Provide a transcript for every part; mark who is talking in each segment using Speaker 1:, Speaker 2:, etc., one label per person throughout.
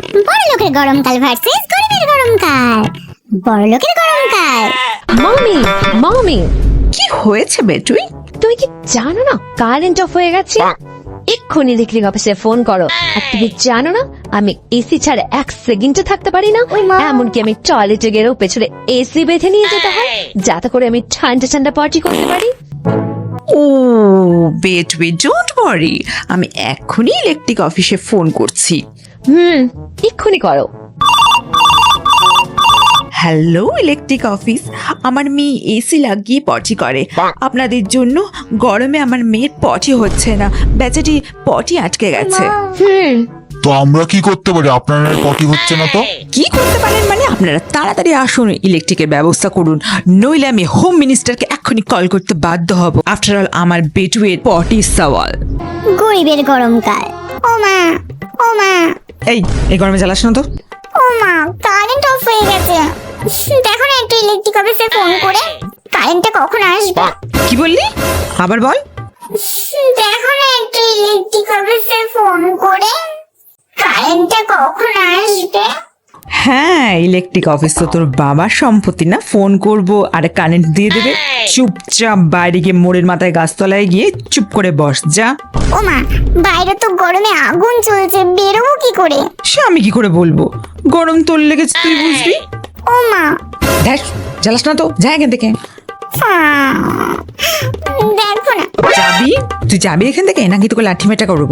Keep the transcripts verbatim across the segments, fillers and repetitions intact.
Speaker 1: বড় লোকের গরমকাল ভার্সেস গরিবের গরমকাল। বড় লোকের গরমকাল।
Speaker 2: মামি মামি
Speaker 3: কি হয়েছে বেটুই?
Speaker 2: তুমি কি জানো না কারেন্ট অফ হয়ে গেছে? এক্ষুনি ইলেকট্রিক অফিসে ফোন করো। আর তুমি জানো না আমি এসি ছাড়া এক সেকেন্ডে থাকতে পারি না। এমনকি আমি টয়লেটে গেলেও পেছনে এসি বেঁধে নিয়ে যেতে হয়, যাতে করে আমি ঠান্ডা ঠান্ডা পার্টি করতে পারি।
Speaker 3: ও বেটুই, ডোন্ট ওয়ারি, আমি এক্ষুনি ইলেকট্রিক অফিসে ফোন করছি।
Speaker 2: হুম এক্ষুনি করো।
Speaker 3: হ্যালো ইলেকট্রিক অফিস, আমার মেয়ে এসি লাগিয়ে পটি করে। আপনাদের জন্য গরমে আমার মেয়ের পটি হচ্ছে না, বেচারি পটি আটকে গেছে।
Speaker 2: হুম
Speaker 4: তো আমরা কি করতে পারি? আপনার পটি হচ্ছে না তো?
Speaker 3: কি করতে পারেন মানে? আপনারা তাড়াতাড়ি আসুন, ইলেকট্রিকের ব্যবস্থা করুন, নইলে আমি হোম মিনিস্টারকে এক্ষুনি কল করতে বাধ্য হব। আফটার অল আমার বেটুয়ের পটি সওয়াল।
Speaker 1: গরিবের গরমকাল। ও মা, ও মা,
Speaker 3: এই এই গরমে জ্বালাস না তো।
Speaker 1: ও মা, কারেন্ট অফ হয়ে গেছে। দেখো না একটু ইলেকট্রিক অফিসে ফোন করে, কারেন্টটা কখন আসবে?
Speaker 3: কি বললি? আবার বল।
Speaker 1: দেখো না একটু ইলেকট্রিক অফিসে ফোন করে, কারেন্টটা কখন আসবে?
Speaker 3: হ্যাঁ, ইলেকট্রিক অফিস তো তোর বাবার সম্পত্তি না, ফোন করব আর কারেন্ট দিয়ে দেবে। চুপচাপ বাইরে গিয়ে মোড়ের মাথায় গাছতলায় গিয়ে চুপ করে বস যা।
Speaker 1: ও মা, বাইরে তো গরমে আগুন চলছে, বেরোবো কি করে?
Speaker 3: সে আমি কি করে বলবো? গরম তোর লেগেছে, তুই বুঝবি।
Speaker 1: ও মা,
Speaker 3: দেখ জ্বালাস না তো, যা এখান থেকে।
Speaker 1: আহ, দেখো না।
Speaker 3: যাবি? তুই যাবি এখান থেকে নাকি তোকে লাঠি মেটা করবো?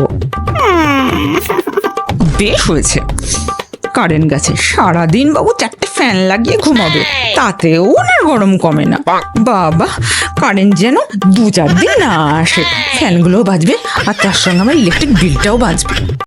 Speaker 3: বেশ হয়েছে, কারেন্ট গেছে। সারাদিন বাবু চারটে ফ্যান লাগিয়ে ঘুমাবে, তাতেও না গরম কমে না। বাবা, কারেন্ট যেন দু চার দিন না আসে, ফ্যানগুলোও বাজবে আর তার সঙ্গে আমার ইলেকট্রিক বিলটাও বাজবে।